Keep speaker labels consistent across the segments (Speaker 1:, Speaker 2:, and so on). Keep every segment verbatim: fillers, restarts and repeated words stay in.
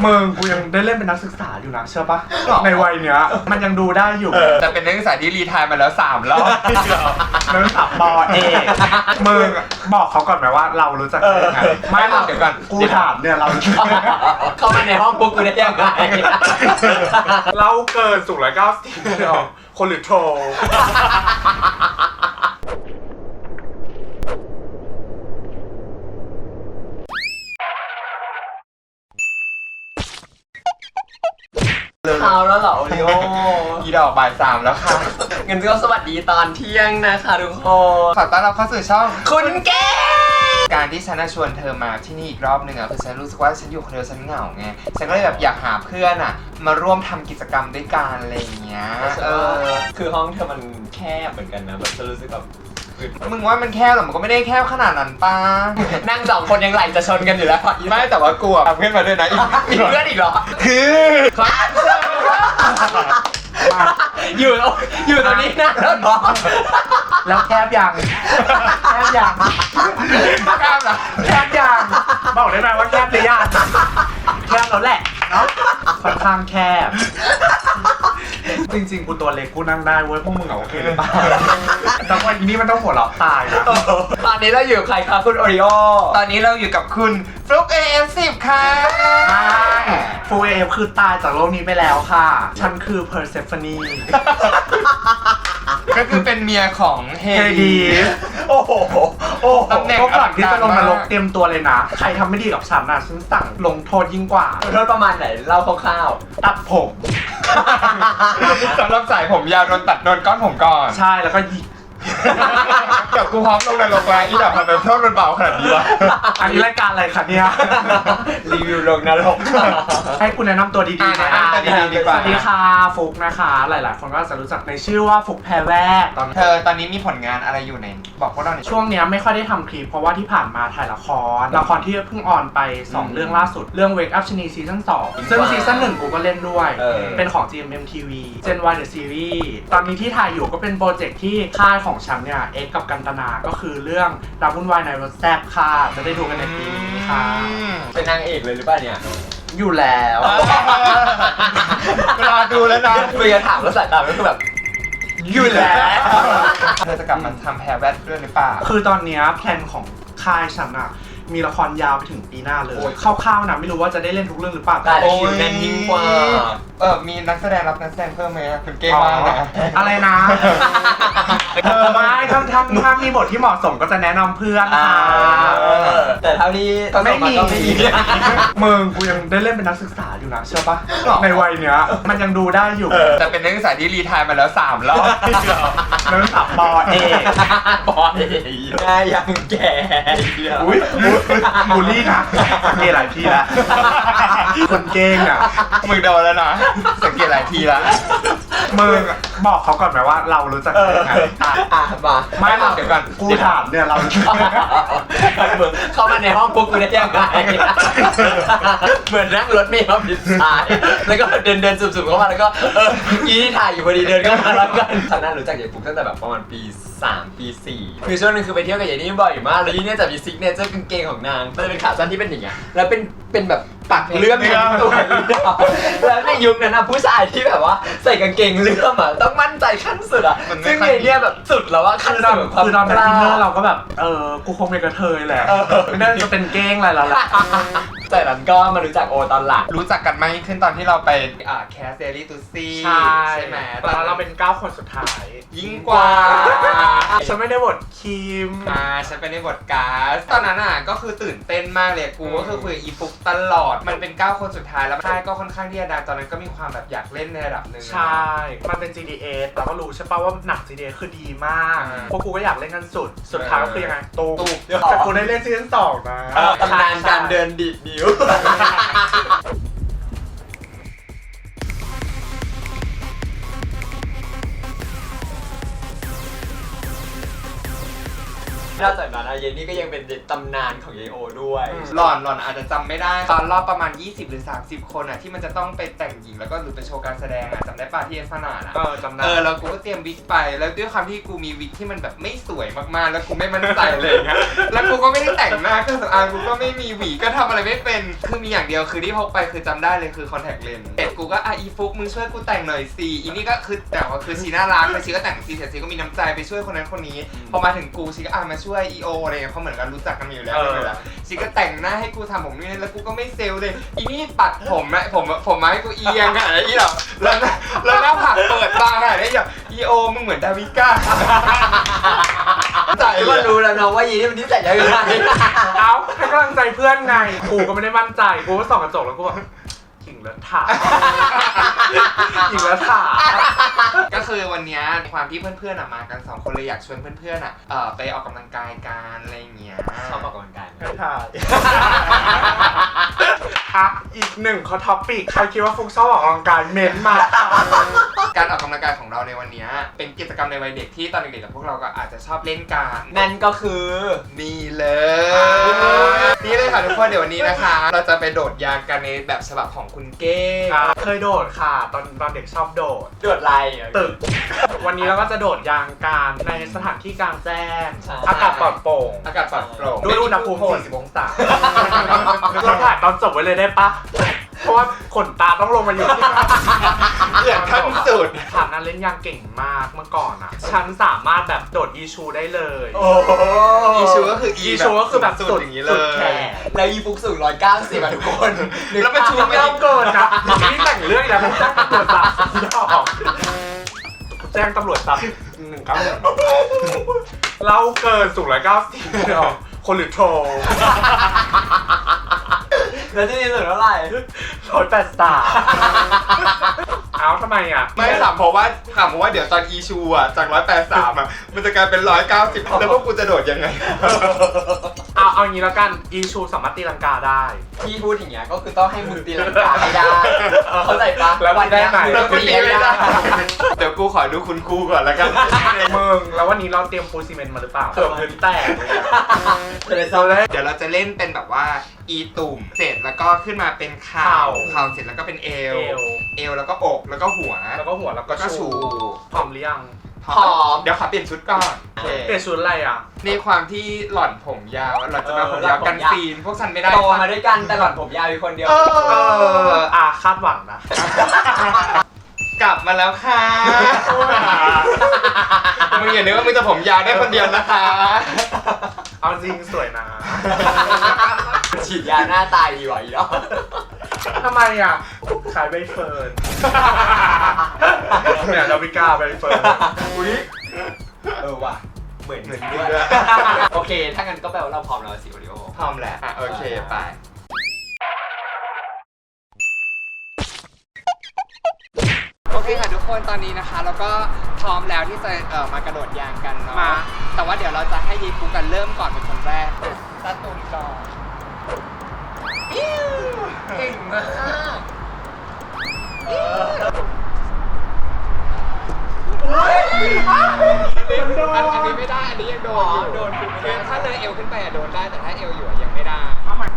Speaker 1: มึงกูยังได้เล่นเป็นนักศึกษาอยู่นะเชื่อปะในวัยเนี้ยมันยังดูได้อยู่
Speaker 2: แต่เป็นนักศึกษาที่รีไทร์มาแล้วสามรอบ
Speaker 1: นักศึกษาปอเอกมึงบอกเขาก่อนไหมว่าเรารู้จักกันยังไงไม่หรอกเดี๋ยวก่อนกูถามเนี่ยเรา
Speaker 3: เข้ามาในห้องพวกกูได้ยังไง
Speaker 1: เราเกินสูงร้อยเก้าสิบคนหรือโทร
Speaker 3: เอาแล้วเหรอโอริโอ
Speaker 2: อีดอกบ่ายสามแล้วค่ะ
Speaker 3: งั้นก็สวัสดีตอนเที่ยงนะคะทุกคน
Speaker 2: ขอต้อนรับเข้าสู่ช่อง
Speaker 3: คุณแก้
Speaker 2: การที่ฉันชวนเธอมาที่นี่อีกรอบหนึ่งอ่ะคือฉันรู้สึกว่าฉันอยู่คนเดียวฉันเหงาไงฉันก็เลยแบบอยากหาเพื่อนอ่ะมาร่วมทำกิจกรรมด้วยกันอะไรอย่างเงี้ย
Speaker 3: เออคือห้องเธอมันแคบเหมือนกันนะแบบฉันรู้สึกแบบ
Speaker 2: มึงว่ามันแคบหรอมันก็ไม่ได้แคบขนาดนั้นป้า
Speaker 3: นั่งสองคนยังไหลจะชนกันอยู่แล้ว
Speaker 2: ไม่แต่ว่ากลัวเพื่อนมาด้วยนะ
Speaker 3: อีกเพื่อนอีกเหรอ
Speaker 2: คือ
Speaker 3: อยู่อยู่ตรงนี้นะแล้วเนาะ
Speaker 1: แล้วแคบยังแคบยัง
Speaker 2: แคบเหรอ
Speaker 1: แคบยังบอกได้ไหมว่าแคบหรือยังแคบแล้วแหละเนาะค่อนข้างแคบจริงๆกูตัวเล็กกูนั่งได้เว้ยพวกมึงเหรอโอเคหรือเปล่าแต่ว่าอีนี่มันต้องหัวเราะตายนะ
Speaker 3: ตอนนี้เราอยู่ใครคะคุณโอริโอ
Speaker 2: ตอนนี้เราอยู่กับคุณฟลุ๊ก เอ เอฟ สิบ ค่ะ
Speaker 1: ฟลุ๊ก เอ เอฟ คือตายจากโลกนี้ไปแล้วค่ะฉันคือเพอร์เซฟานี
Speaker 2: ก็คือเป็นเมียของเฮดี
Speaker 1: โอ้โหโอ้โหตำแหน่งก่อนที่จะลงนรกเตรียมตัวเลยนะใครทำไม่ดีกับฉันนะฉันสั่งลงโทษยิ่งกว่า
Speaker 3: โทษประมาณไหนเล่าคร่าว
Speaker 1: ๆตัดผม
Speaker 2: สำหรับสายผมยาวโดนตัดโดนก้อนผมก่อน
Speaker 1: ใช่แล้วก็ยิง
Speaker 2: เดี๋ยวกูพร้อมลงในโรงแรมอีดอกมันเป็นโทษมันเบาขนาดนี้วะ
Speaker 1: อันนี้รายการอะไรคะเนี่ย
Speaker 3: รีวิวลงนรก
Speaker 1: ให้คุณแนะนำตัวดีๆหน่อยสวัสดีค่ะฟุกนะคะหลายๆคนก็จะรู้จักในชื่อว่าฟุกแพรแวก
Speaker 2: ตอนเธอตอนนี้มีผลงานอะไรอยู่ในบอกพวกเราหน่อย
Speaker 1: ช่วงนี้ไม่ค่อยได้ทำคลิปเพราะว่าที่ผ่านมาถ่ายละครละครที่เพิ่งออนไปสองเรื่องล่าสุดเรื่อง Wake Up ชนีซีซั่นสองซึ่งซีซั่นหนึ่งกูก็เล่นด้วยเป็นของ จี เอ็ม เอ็ม ที วี Gen Y The Series ตอนนี้ที่ถ่ายอยู่ก็เป็นโปรเจกต์ที่ค่ายของฉันเนี่ยเอ็กกับกันตนาก็คือเรื่องรักวุ่นวายในรถแซ่บค่ะจะได้ดูกันในปีนี้ค่ะ
Speaker 3: เป็นนางเอกเลยหรือเปล่าเนี่ย
Speaker 1: อยู่แล้ว
Speaker 2: รอดูแล้วนะ
Speaker 3: เพื่อถามแล้วสายตาก็คือแบบ
Speaker 2: อยู่แล้วเธอจะกลับมาทำแพรแวดด้วยหรือเปล่า
Speaker 1: คือตอนนี้แพลนของค่ายฉันอะมีละครยาวไปถึงปีหน้าเลยคร่าวๆนะไม่รู้ว่าจะได้เล่นทุกเรื่องหรือเปล่า
Speaker 3: แต่คิวแน่นยิ่งกว่า
Speaker 2: เออมีนักแสดงรับนักแสดงเพิ่มไหมคุณเก่งมากนะ
Speaker 1: อะไรนะเออไม่ถ้าถ้าถ้ามีบทที่เหมาะสมก็จะแนะนำเพื่อนค่ะ
Speaker 3: แต่เท่านี้
Speaker 1: ไม่มีมึงกูยังได้เล่นเป็นนักศึกษาอยู่นะเชื่อปะในวัยเนี้ยมันยังดูได้อยู่
Speaker 2: แต่เป็นนักศึกษาที่รีไทร์มาแล้วสามรอบ
Speaker 1: นักศึกษาปอเอก
Speaker 3: ปอเอกง่ายยังแก่
Speaker 1: อุ้ยบูลลี่นะมีหลายทีแล้วคนเก่งอ่ะ
Speaker 2: มึงโดนแล้วนะสังเกตหลายทีแล้ว
Speaker 1: มึงบอกเขาก่อนไหมว่าเรารู้จักกันยังไง
Speaker 3: อ่ะมา
Speaker 1: ไม่หรอกเดี๋ยวก่อนกูถามเนี่ยเรา
Speaker 3: เข้ามาในห้องพวกกูได้ยังไงเหมือนนั่งรถเมล์มาผิดสายแล้วก็เดินเดินสุ่มๆเข้ามาแล้วก็เออยี่ที่ถ่ายอยู่พอดีเดินเข้ามาแล้วกันฉันน่ารู้จักยายปุ๊กตั้งแต่แบบประมาณปีสามปีสี่คือช่วงนึงคือไปเที่ยวกับยายนี่บ่อยมากแล้วยี่เนี่ยจะมีซิกเนเจอร์กางเกงของนางมันจะเป็นขาสั้นที่เป็นอย่างเงี้ยแล้วเป็นเป็นแบบปักเลื่อมทั้งตัวแล้วในยุคนั้นนะผู้ชายที่แบบว่าใส่กางเกงเลื่อมอ่ะต้องมั่นใจขั้นสุดอ่ะซึ่งยายเนี่ยแบบสุดแล้วว่าขั้นสุดของความ
Speaker 1: คือตอนเป็นเพื่อนเราก็แบบเออกูคงเป็นกระเทยแหละไม่น่าจะเป็นเก้งอะไรแล้วล่ะ
Speaker 3: แต่นั้นก็มารู้จักโอตอนหลัง
Speaker 2: รู้จักกันมากขึ้นตอนที่เราไปอ่าแคสเซรีตูซี่
Speaker 1: ใช่ไหมตอนนั้นเราเป็นเก้าคนสุดท้าย
Speaker 2: ยิ่งกว่า
Speaker 1: ฉันไม่ได้บทคิม
Speaker 2: อ่าฉันไปในบทก๊าซตอนนั้นอ่ะก็คือตื่นเต้นมากเลยกูก็คือคุยกับอีฟุกตลอดมันเป็นเก้าคนสุดท้ายแล้วค่ายก็ค่อนข้างที่จะดังตอนนั้นก็มีความแบบอยากเล่นในระดับหนึ่ง
Speaker 1: ใช่มันเป็น จี ดี เอส เราก็รู้ใช่ป่ะว่าหนัง จี ดี เอส คือดีมากพวกกูก็อยากเล่นกันสุดสุดท้ายก็คือยังไงตูมแต่กูได้เล่นซีซั่นสองนะ
Speaker 3: ตำนานการเดินดีดนิ้วนอกจากนั้นนะเยนนี่ก็ยังเป็นตำนานของเยโอด้วย
Speaker 2: หล่อนหล่อนอาจจะจำไม่ได้ตอนรอบประมาณยี่สิบหรือสามสิบคนอ่ะที่มันจะต้องไปแต่งหญิงแล้วก็หรือไปโชว์การแสดงอ่ะจำได้ป่ะที่เอสนาอ่ะ
Speaker 1: เออจำได้
Speaker 2: เออแล้วกูก็เตรียมวิกไปแล้วด้วยความที่กูมีวิกที่มันแบบไม่สวยมากๆแล้วกูไม่มั่นใจเลยเงี้ยแล้วกูก็ไม่ได้แต่งหน้าเครื่องสำอางกูก็ไม่มีหวีก็ทำอะไรไม่เป็นคือมีอย่างเดียวคือที่พกไปคือจำได้เลยคือคอนแทคเลนส์เสร็จกูก็อ่ะอีฟุกมึงช่วยกูแต่งหน่อยสิอีนี่ก็คือแต่ว่าคือชีน่ารักแต่ชีก็แต่งซีเสร็จชีก็มีน้ำใจไปช่วยคนนั้นคนนี้พอมาถึงกูชีก็อ่ะมาช่วยอีโออะไรเงี้ยเพราะเหมือนกันรู้จักกันมาอยู่แล้วเลยละชีก็แต่งหน้าให้กูทำผมนี่แล้วกูก็ไม่เซลเลยอีนี่ปัดผมอะผมผมมาให้กูเอียงอะอีหรอแล้วแล้วหน้าผากเปิดบางอะไอ้อย่างอีโอมึงเหมือนดาวิก้าใจ
Speaker 3: ก็รู้แล้วเนาะว่ายีนี่มันนิสัยยังไง
Speaker 1: เอ้าให้กำลังใจเพื่อนไงกูก็ไม่ได้มั่นใจกูก็ส่องกระจกแล้วกูแบบขิงแล้วถ่าขิงแล้วถ่า
Speaker 2: ก็คือวันนี้ความที่เพื่อนๆอะมากันสองคนเลยอยากชวนเพื่อนๆอะเอ่อไปออกกำลังกายกันอะไรอย่างเงี้ย
Speaker 3: ชอบออกกำลังกายไหม
Speaker 1: ไม่ถ่ายอ่ะอีกหนึ่งข้อท็อปปิกใครคิดว่าฟุกชอบออกกำลังกายเม้นต์มา
Speaker 2: การออกกำลังกายของเราในวันนี้เป็นกิจกรรมในวัยเด็กที่ตอนเด็กๆกับพวกเราก็อาจจะชอบเล่นกัน
Speaker 3: นั่นก็คือ
Speaker 2: นี่เลยนี่เลยค่ะทุกคนเดี๋ยววันนี้นะคะ เราจะไปโดดยางกันในแบบฉบับของคุณเก้ง
Speaker 1: เคยโดดค่ะตอนตอนเด็กชอบโดด
Speaker 3: โดดไร
Speaker 1: ตึก วันนี้เราก็จะโดดยางกันในสถานที่กลางแจ้ง
Speaker 3: ใช่
Speaker 1: อากาศปลอดโปร่ง
Speaker 2: อากาศปลอดโปร่ง
Speaker 1: ด้วยอุณหภูมิสี่สิบองศาเราถ่ายตอนจบไว้เลยได้ปะเพราะว่าขนตาต้องลงมาอยู่ที่
Speaker 2: เหยียดขั้นสุด
Speaker 1: ถามนั้นเล่นยางเก่งมากเมื่อก่อนอ่ะ ฉันสามารถแบบโดดอีชูได้เลย
Speaker 3: โอ้
Speaker 2: อีชูก็คือ
Speaker 1: อีชูก็คือแบบ
Speaker 2: สุ
Speaker 1: สุ
Speaker 2: ด
Speaker 1: ด
Speaker 2: อย่างนี้
Speaker 1: สุ
Speaker 2: เล
Speaker 1: ด
Speaker 2: ย
Speaker 1: แขน
Speaker 3: แล้วอีฟุกสูงร้อยเก้าสิบอ่ะทุกคน
Speaker 2: แล้วมันชู
Speaker 1: ไม่ต้องเกินนะนี่แต่งเรื่องแล้วไม่แจ้งตำรวจจับดอกแจ้งตำรวจจับหนึ่งเก้าหนึ่งเราเกินสูงร้อยเก้าสิบดอกคนหรือโทร
Speaker 3: แล้วที่นี่สุดเท่าไหร่
Speaker 1: ร้อยแปดสามเอ้าทำไมอ่ะ
Speaker 2: ไม่ถามเพราะว่าถามเพราะว่าเดี๋ยวตอนอีชูอ่ะจากร้อยแปดสามอ่ะมันจะกลายเป็นร้อยเก้าสิบแล้วพวกกูจะโดดยังไง
Speaker 1: เอาเอางี้แล้วกันอีชูสามารถตีลังกาได้
Speaker 3: พี่พูดอย่างเงี้ยก็คือต้องให้มึงตีลังกาให้ได้เข้าใจปะ
Speaker 1: แล้ววัน
Speaker 3: เนี้ย
Speaker 1: ได้ไหม
Speaker 3: มึงตีไม่ได้
Speaker 2: เดี๋ยวกูขอดูคุณครูก่อนแล้วกัน
Speaker 1: มึงแล้ววันนี้เราเตรียมปูนซีเมนต์มาหรือเปล่าเกือบพื้นแตกเลยอะ
Speaker 3: เลยเราได้
Speaker 2: เดี๋ยวเราจะเล่นเป็นแบบว่าอีตุ่มเสร็จแล้วก็ขึ้นมาเป็นเข่าเข่าเสร็จแล้วก็เป็นเอว
Speaker 1: เอว
Speaker 2: เอวแล้วก็อกแล้วก็หัว
Speaker 1: แล้วก็หัวแล้วก็
Speaker 2: แล้วก็ชู
Speaker 1: ชูพร้อมหรือยัง
Speaker 2: พร้อมเดี๋ยวขอเปลี่ยนชุดก่อน
Speaker 1: เปลี่ยนชุดอะไรอ่ะ
Speaker 2: ในความที่หล่อนผมยาวหล่อนจะมาผมยาวกันซีนพวกฉันไม่ได้
Speaker 3: โตมาด้วยกันแต่หล่อนผมยาวอยู่คนเดียว
Speaker 2: เอ
Speaker 1: เอ
Speaker 2: อ
Speaker 1: ออ่ะคาดหวังนะ
Speaker 2: กลับมาแล้วค่ะมึงอย่านึกว่ามึงจะผมยาวได้คนเดียวนะคะ
Speaker 1: เอาจริงสวยนะ
Speaker 3: ฉีดยาหน้าตายดีกว่าอีกแล้ว
Speaker 1: ทำไมอ่ะขายใบเฟิร์นเนี่ยดาวิกาใบเฟิร์น
Speaker 2: อุ้ย
Speaker 3: เออว่ะเหมือน
Speaker 2: เหมือน
Speaker 3: ด้วย
Speaker 2: ด้วย
Speaker 3: โอเค ถ้างั้นก็แปลว่าเราพร้อมแล้วสิโอริโอ
Speaker 2: พร้อมแหละอ่ะโอเคไปโอเคค่ะทุกคนตอนนี้นะคะแล้วก็พร้อมแล้วที่จะเอ่อมากระโดดยางกันเนาะ
Speaker 1: มา
Speaker 2: แต่ว่าเดี๋ยวเราจะให้ยีฟูกันเริ่มก่อนเป็นคนแรกตาตุ่มก่อนเก่งมากอันนี้ไม่ได้อันนี้ยังโดนอยู่
Speaker 3: โดนคือไม่ได้
Speaker 2: คือถ้าเลยเอวขึ้นไปอะโดนได้แต่ถ้าเอวอยู่อะยังไม่ได้
Speaker 1: เอาใหม่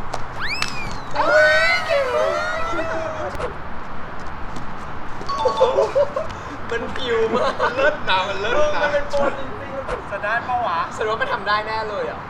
Speaker 3: มันฟิวมาก
Speaker 2: เลิศนะมันเลิศนะ
Speaker 3: มันเป็นโปรจริงๆ
Speaker 1: จะได้ปะวะ
Speaker 3: แสดงว่ามันทำได้แน่เลยอ่ะ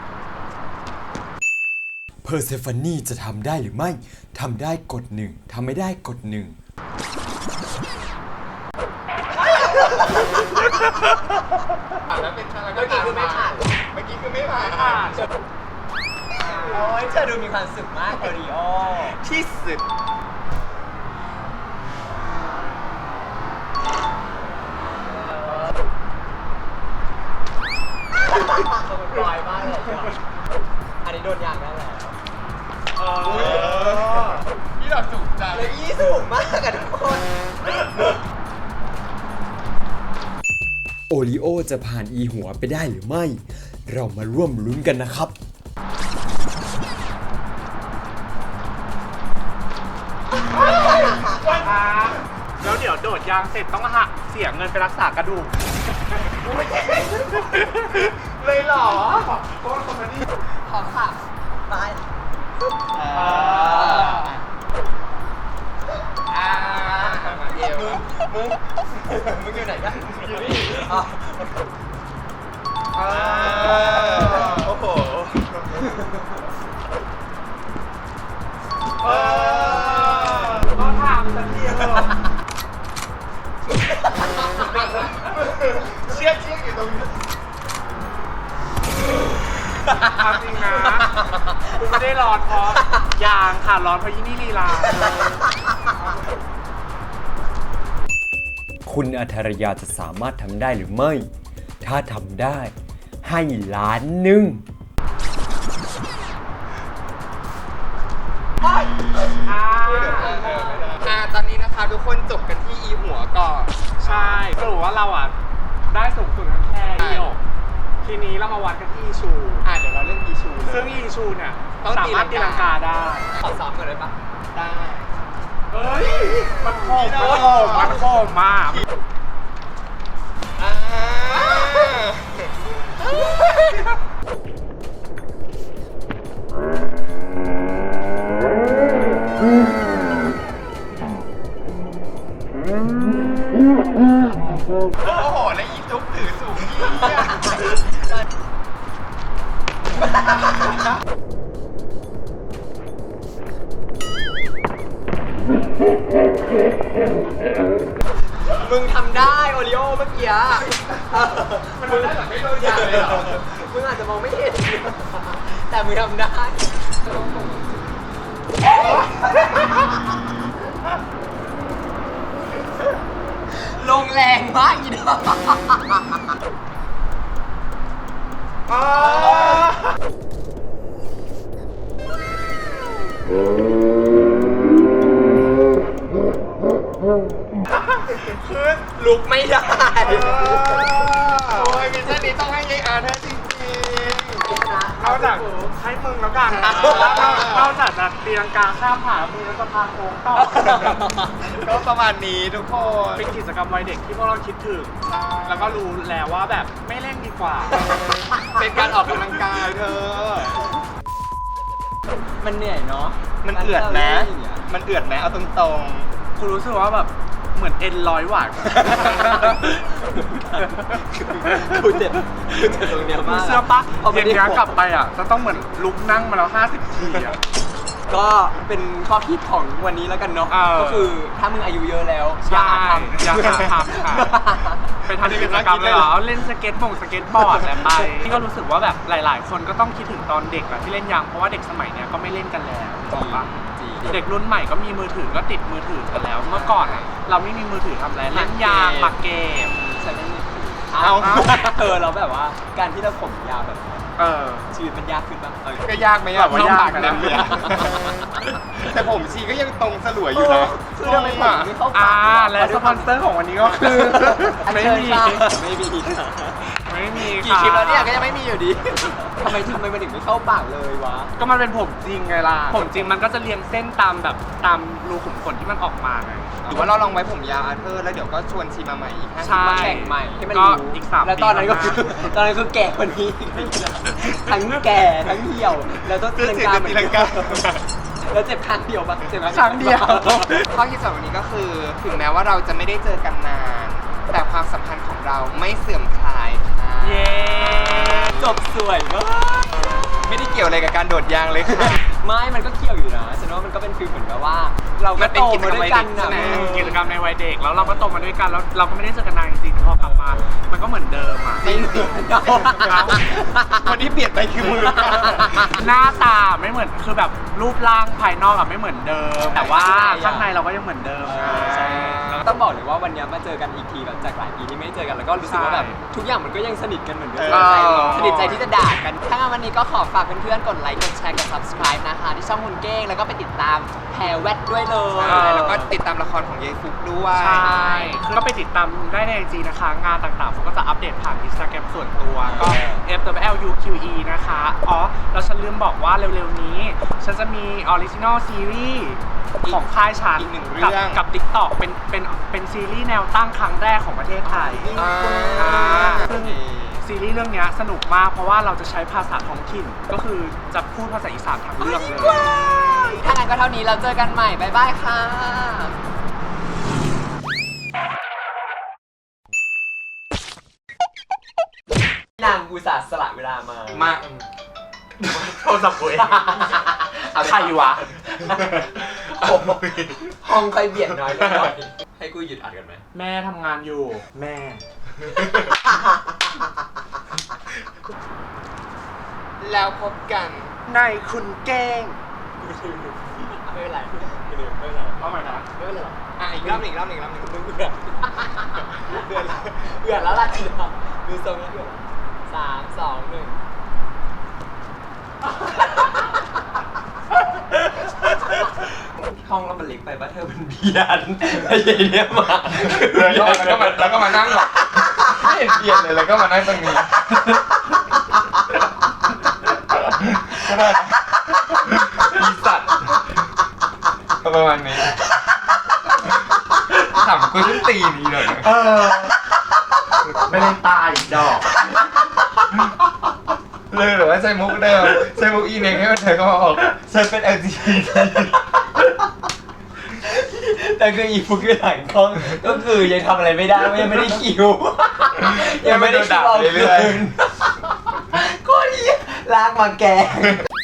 Speaker 4: เพอร์เซฟานีจะทำได้หรือไม่ ทำได้กดหนึ่ง ทำไม่ได้กดหนึ่ง
Speaker 2: แล้วเป็นอะไร
Speaker 3: เมื่อกี้คือไม่ผ่าน
Speaker 2: เมื่อกี้คือไม่ผ่าน
Speaker 3: โอ้ยเธอดูมีความสุขมากโอริโอ
Speaker 2: ที่สุด
Speaker 3: เขาเป็นปลอยมากเลยอ่ะอันนี้โดนยางได้แล้ว
Speaker 1: เออ
Speaker 2: นี่เราสูงจัง
Speaker 3: แล้วยี่สูงมากอะทุกคน
Speaker 4: โอริโอจะผ่านอีหัวไปได้หรือไม่ เรามาร่วมลุ้นกันนะครับ
Speaker 1: แล้วเดี๋ยวโดดยางเสร็จต้องหักเสียเงินไปรักษากระดูก
Speaker 2: เลยเหรอ
Speaker 1: โค้ดคอมเมดี้
Speaker 3: ขอค่ะไปอ่าอ่าเอวมึงมึงอยู่ไหนกันอยู่นี่อ๋อ
Speaker 2: โอ้โห
Speaker 1: ก็ถามสักทีเหรอ
Speaker 2: เชือกเชือกอยู่ตรงนี้
Speaker 1: เอาจริงนะคุณไม่ได้ร้อนเพราะยางค่ะร้อนเพราะยี่นี่ลีลา
Speaker 4: คุณอัธรยาจะสามารถทำได้หรือไม่ ถ้าทำได้ให้ล้านหนึ่ง
Speaker 1: อ่า
Speaker 2: อ่าตอนนี้นะคะทุกคนจบกันที่อีหัวก่อน
Speaker 1: ใช่สรุปว่าเราอ่ะได้สูงสุดแค่อีโอทีนี้เรามาวัดกันที่อีชู
Speaker 2: อ่าเดี๋ยวเราเล่นอีชูเลย
Speaker 1: ซึ่งอีชูเนี่ย
Speaker 2: ต้อง
Speaker 1: สามารถตีลังกาได้
Speaker 3: ขอซ้อมกันเลยปะ
Speaker 2: ได้
Speaker 1: เฮ้ย มันโคมมันโคมมันโคมมาก
Speaker 2: อ่าโอ้โหแล้วอีจุ๊บถือสูงยี่ย
Speaker 3: มึงทำได้โอริโอเมื่อกี้
Speaker 2: มันได้แบบไม่โดนยางเลยเหรอ
Speaker 3: มึงอาจจะมองไม่เห็น แต่มึงทำได้ ลงแรงมากอีดอก
Speaker 2: คือ
Speaker 3: ลุกไม่ได้
Speaker 2: โอ้ยมิชชั่นนี้ต้องให้ยายอาร์เธอจริง
Speaker 1: เอาจากให้มึงแล้วกันเอาจากจะตีลังกาข้ามผ่านมือแล้วจะพาโค้งต่อ
Speaker 2: ๆก็ประมาณนี้ทุกคน
Speaker 1: เป็นกิจกรรมวัยเด็กที่พวกเราคิดถึง แล้วก็รู้แล้วว่าแบบไม่เล่นดีกว่า
Speaker 2: เป็นการออกกำลังกายเธอ
Speaker 3: มันเหนื่อยเนาะ
Speaker 2: มันเอือดนะ มันเอือดนะเอาตรง
Speaker 1: คุณรู้สึกว่าแบบเหมือนเอ็นร้อยหวาน
Speaker 3: กูเจ็บกูเจ็บตรงเนี้ยมาก
Speaker 1: เสื้อปะ
Speaker 3: พอไม่
Speaker 1: เย็น
Speaker 3: ได้
Speaker 1: นี้กลับไปอ่ะจะต้องเหมือนลุกนั่งมาแล้วห้าสิบทีอ่ะ
Speaker 3: ก็เป็นข้อคิดของวันนี้แล้วกันเนาะ
Speaker 1: เออ
Speaker 3: ก็คือถ้ามึงอายุเยอะแล้ว
Speaker 1: ใช่
Speaker 3: อย่าหาทำ
Speaker 1: อย่าหาทำค่ะ ไปทำกิจกรรมเลยเหรอเล่นสเก็ตบงสเก็ตบอร์ดอะไรไปนี่ก็รู้สึกว่าแบบหลายๆ คนก็ต้องคิดถึงตอนเด็กอะที่เล่นยางเพราะว่าเด็กสมัยเนี้ยก็ไม่เล่นกันแล้วถูกปะ
Speaker 3: จริง
Speaker 1: เด็กรุ่นใหม่ก็มีมือถือก็ติดมือถือกันแล้ว เมื่อก่อนอะเราไม่มีมือถือทำอะไรเล่นยางหมากเกม
Speaker 3: ฉันเล่นมือถือ
Speaker 2: เอา
Speaker 3: เออเราแบบว่าการที่เราผมยาวแบบนี้
Speaker 1: เออ
Speaker 3: ชีวิตมันยากขึ้นบ้างเออ
Speaker 2: ๆ ก็ยากไหมอะ
Speaker 1: แบบว่ายาก
Speaker 2: เต็
Speaker 1: นะ
Speaker 2: มเลยอะแต่ผมชีก็ยังตรงสลวยอยู่นะ
Speaker 3: คือทำไมผมไม่เข้า
Speaker 1: อ่า
Speaker 3: ปาก
Speaker 1: และสปอนเซอร์ของวันนี้ก็คือ ไม่มี
Speaker 3: ไม่มี
Speaker 1: ไม่มี
Speaker 3: กี่คลิปแล้วเนี่ยก็ยังไม่มีอยู่ดีทำไมทำไมมันถึงไม่เข้าปากเลยวะ
Speaker 1: ก็มันเป็นผมจริงไงล่ะ ผมจริงมันก็จะเรียงเส้นตามแบบตามรูขุมขนที่มันออกมาไง
Speaker 2: หรือว่าเราลองไว้ผมยาวอาร์เธอร์แล้วเดี๋ยวก็ชวนชีมาใหม่อีกห้าสิบ
Speaker 1: ใช่
Speaker 3: มาแข่งใหม่ให้มัน
Speaker 1: ก็
Speaker 3: รู้
Speaker 1: อีกสาม
Speaker 3: แล้วตอนนั้นก็
Speaker 1: ปี
Speaker 3: คือ
Speaker 1: ข้างหน้า
Speaker 3: ตอนนั้นคือแก่กว่านี้ ทั้งแก่ทั้งเหี่ยว แล้วต้องตีลังกา
Speaker 2: ตีลังกา
Speaker 3: แล้วเจ็บครั้งเดียวปะเจ็บ
Speaker 1: ครั้งเดียว
Speaker 2: ข้อที่สองวันนี้ก็คือ ถึงแม้ว่าเราจะไม่ได้เจอกันนาน แต่ความสัมพันธ์ของเราไม่เสื่อมคลายค่ะ
Speaker 1: เย้
Speaker 3: จบสวยมาก
Speaker 2: ไม่ได้เกี่ยวอะไรกับการโดดยางเลยค่ะ
Speaker 3: ไม่ มันก็เกี่ยวอยู่นะฉันว่ามันก็เป็นฟีลเหมือนแบบว่า เรา
Speaker 2: มั
Speaker 3: ก็
Speaker 2: นเป็
Speaker 3: โต
Speaker 2: นกิจ
Speaker 3: มาก
Speaker 2: รรม
Speaker 3: ด้วยกัน
Speaker 2: วัยเด็กใช่
Speaker 3: นะ
Speaker 2: ไหม
Speaker 1: กิจกรรมในวัยเด็กแล้วเราก็โตมาด้วยกันแล้วเราก็ไม่ได้เจอกันนานจริงๆพอกลับมา มันก็เหมือนเดิมอ่ะ
Speaker 3: ไม่เหมือนเรา
Speaker 2: คนที่เปลี่ยนไปคือมือ
Speaker 1: หน้าตาไม่เหมือนคือแบบรูปร่างภายนอกอะไม่เหมือนเดิม แต่ว่าข้างในเราก็ยังเหมือนเดิมไง
Speaker 3: ใช่ต้องบอกเลยว่าวันนี้มาเจอกันอีกทีแบบจากหลายปีที่ไม่ได้เจอกันแล้วก็รู้สึกว่าแบบ
Speaker 1: ใช่
Speaker 3: ทุกอย่างมันก็ยังสนิทกันเหมือนเดิม
Speaker 2: เออ
Speaker 3: สนิทใจที่จะด่ากัน ถ้างั้นวันนี้ก็ขอฝากเพื่อนๆกดไลค์กดแชร์กด subscribe นะคะที่ช่องคุณเก้งแล้วก็ไปติดตามแพรแวดด้วยเลย
Speaker 2: ใช่แล้วก็ติดตามละครของยายฟุกด้วย
Speaker 1: ใช่คือก็ไปติดตามได้ในไอจีนะคะ งานต่างๆผมก็จะอัปเดตผ่านอินสตาแกรมส่วนตัวก็ เอฟ ดับเบิลยู แอล ยู คิว อี นะคะ อ๋อ แล้วฉันลืมบอกว่าเร็วๆนี้ ฉันจะมีออริจินอลซีรีส์ของค่ายฉัน
Speaker 2: อีกหนึ่ง
Speaker 1: กับ
Speaker 2: เรื่อง
Speaker 1: กับ TikTok เป็นเป็นเป็นซีรีส์แนวตั้งครั้งแรกของประเทศไทย
Speaker 2: อ่า
Speaker 1: อ่าซึ่งซีรีส์เรื่องนี้สนุกมากเพราะว่าเราจะใช้ภาษาท้องถิ่นก็คือจะพูดภาษาอีสานทั้งเรื่องเลย
Speaker 3: ถ้างั้นก็เท่านี้เราเจอกันใหม่ บ๊ายบายค่ะ นางอุตส่าห์สละเวลามา
Speaker 2: มา
Speaker 1: โทรศัพท์กูเองใครวะ
Speaker 3: ห้องใครเบียดน้อยเลยให้กูหยุดอัดกันไหม
Speaker 1: แม่ทำงานอยู่ แม่
Speaker 2: แล้วพบกัน
Speaker 1: ในคุณแกล้ง
Speaker 3: ไม่เป็นไรไม่เป็นไร
Speaker 1: เอาใหม่นะ
Speaker 3: ไม่เป็นไร
Speaker 2: อ่ะอีกรอบหนึ่งอีกรอบหนึ่งอีกรอบหนึ่ง
Speaker 3: มึงเบื่อเบื่อเบื่อแล้วล่ะดูทรงแล้วเบื่อสามสองหนึ่งห้องแล้วมันเล็กไปป่ะเธอมันเบียนไอ้ยัยเนี่ยมา
Speaker 2: แล้วก็มาแล้วก็มานั่งหรอกไม่เห็นเปลี่ยนเลยแล้วก็มานั่งตรงนี้ก็ได้นะอีสัตว์ประมาณนี้ขำกูขึ้นตีนี้เลย
Speaker 1: เออ ไม่ได้ตายดอก
Speaker 2: เลยหรือว่าใช้มุกเดิมใช้มุกอีเน็กให้มันเธอก็มาบอกฉันเป็น แอล จี บี ที
Speaker 3: แต่คืออีฟุกคือหลังกล้องก็คือยังทำอะไรไม่ได้ยังไม่ได้คิวยังไม่ได้คิวเอาคืนก็ดีลากมาแกง